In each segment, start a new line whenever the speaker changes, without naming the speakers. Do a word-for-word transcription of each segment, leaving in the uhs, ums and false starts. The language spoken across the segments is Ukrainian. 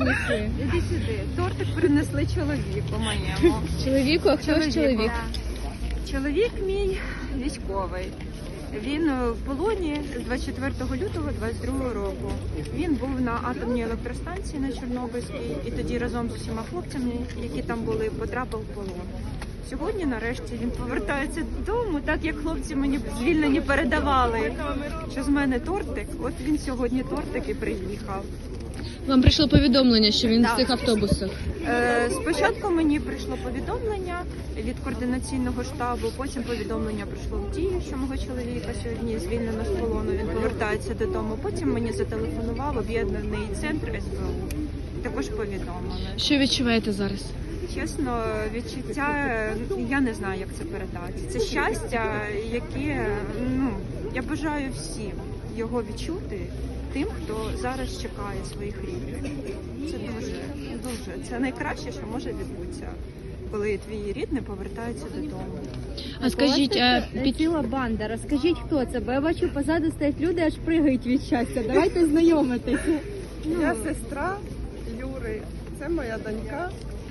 принесли?
Іди сюди. Тортик принесли чоловіку моєму.
Чоловіку, а хто ж чоловік?
Чоловік мій військовий. Він в полоні з двадцять четвертого лютого двадцять другого року. Він був на атомній електростанції на Чорнобильській і тоді разом з усіма хлопцями, які там були, потрапив в полон. Сьогодні, нарешті, він повертається додому, так як хлопці мені звільнені передавали, що з мене тортик. От він сьогодні тортик і приїхав.
Вам прийшло повідомлення, що він
Так.
в цих автобусах?
Е, спочатку мені прийшло повідомлення від координаційного штабу, потім повідомлення прийшло в дію, що мого чоловіка сьогодні звільнено з полону, він повертається додому. Потім мені зателефонував об'єднаний центр ес бе у. Також повідомили.
Що відчуваєте зараз?
Чесно, відчуття, я не знаю, як це передати. Це щастя, яке, ну, я бажаю всім його відчути, тим, хто зараз чекає своїх рідних. Це дуже, дуже, це найкраще, що може відбутися, коли твій рідний повертається додому.
А скажіть, а під...
ціла банда. Розкажіть, хто це, бо я бачу, позаду стоять люди, аж пригають від щастя. Давайте знайомитися.
Я сестра Юри, це моя донька.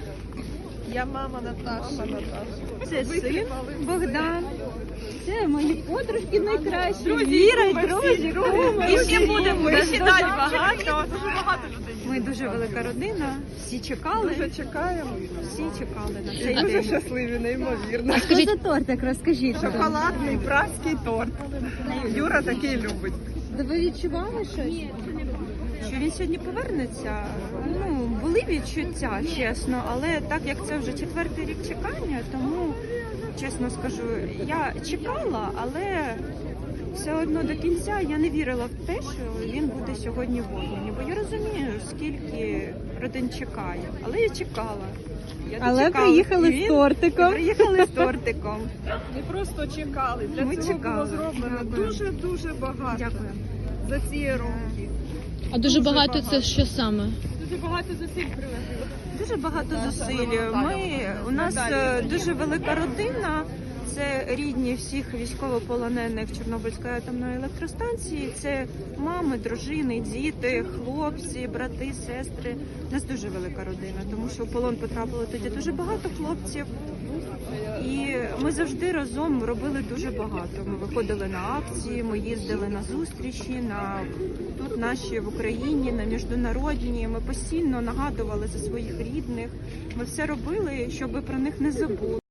Я мама Наташа. Мама Наташа.
Це син Богдан.
Це мої подружки найкращі.
Віра і друзі. І ще будемо, і ще далі
багато.
багато.
Дуже багато людей.
Ми дуже велика родина, всі чекали,
Дуже чекаємо.
всі чекали на цей
Дуже
день.
щасливі, неймовірно.
Що за тортик, розкажіть.
Шоколадний празький торт. Юра такий любить.
Да ви відчували щось?
Що він сьогодні повернеться, ну, були відчуття, чесно, але так як це вже четвертий рік чекання, тому, чесно скажу, я чекала, але все одно до кінця я не вірила в те, що він буде сьогодні в Обмані, бо я розумію, скільки родин чекає, але я чекала. Я
Але
дочекалась,
приїхали
і
з
він-
тортиком.
Приїхали з тортиком.
Не просто чекали. Для
Ми
цього
чекали.
було зроблено
Дякую.
дуже-дуже багато.
Дякую.
За ці роки.
а дуже
Дуже
багато
багато.
це що саме?
Дуже багато зусиль приложили.
Дуже багато зусиль. Ми, у нас е, дуже велика родина. Це рідні всіх військовополонених Чорнобильської атомної електростанції. Це мами, дружини, діти, хлопці, брати, сестри. У нас дуже велика родина, тому що в полон потрапило тоді дуже багато хлопців. І ми завжди разом робили дуже багато. Ми виходили на акції, ми їздили на зустрічі, на тут наші в Україні, на міжнародні. Ми постійно нагадували за своїх рідних. Ми все робили, щоб про них не забули.